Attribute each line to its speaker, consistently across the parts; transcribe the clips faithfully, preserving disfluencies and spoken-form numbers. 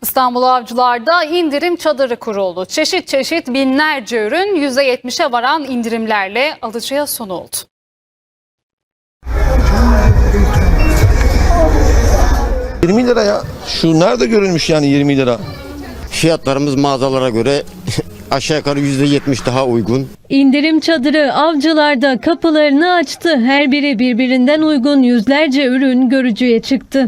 Speaker 1: İstanbul Avcılar'da indirim çadırı kuruldu. Çeşit çeşit binlerce ürün yüzde yetmişe varan indirimlerle alıcıya sunuldu.
Speaker 2: yirmi lira ya. Şu nerede görülmüş yani yirmi lira?
Speaker 3: Fiyatlarımız mağazalara göre aşağı yukarı yüzde yetmiş daha uygun.
Speaker 4: İndirim çadırı Avcılar'da kapılarını açtı. Her biri birbirinden uygun yüzlerce ürün görücüye çıktı.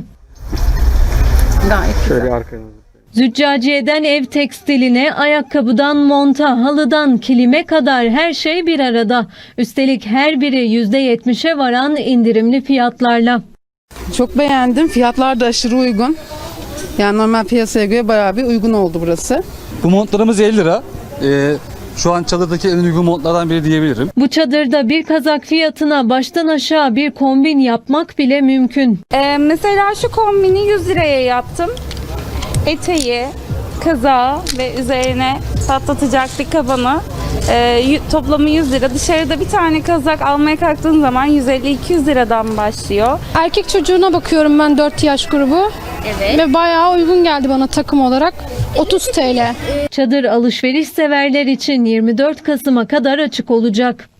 Speaker 5: Şöyle arkaya.
Speaker 4: Züccaciyeden ev tekstiline, ayakkabıdan monta, halıdan kilime kadar her şey bir arada. Üstelik her biri yüzde yetmişe varan indirimli fiyatlarla.
Speaker 6: Çok beğendim. Fiyatlar da aşırı uygun. Yani normal piyasaya göre bayağı bir uygun oldu burası.
Speaker 5: Bu montlarımız elli lira. Ee, şu an çadırdaki en uygun montlardan biri diyebilirim.
Speaker 4: Bu çadırda bir kazak fiyatına baştan aşağı bir kombin yapmak bile mümkün.
Speaker 7: Ee, mesela şu kombini yüz liraya yaptım. Eteği, kazağı ve üzerine patlatacak bir kabanı. Ee, toplamı yüz lira. Dışarıda bir tane kazak almaya kalktığın zaman yüz elli iki yüz liradan başlıyor.
Speaker 8: Erkek çocuğuna bakıyorum ben, dört yaş grubu.
Speaker 7: Evet.
Speaker 8: Ve bayağı uygun geldi bana takım olarak. otuz TL.
Speaker 4: Çadır alışveriş severler için yirmi dört Kasım'a kadar açık olacak.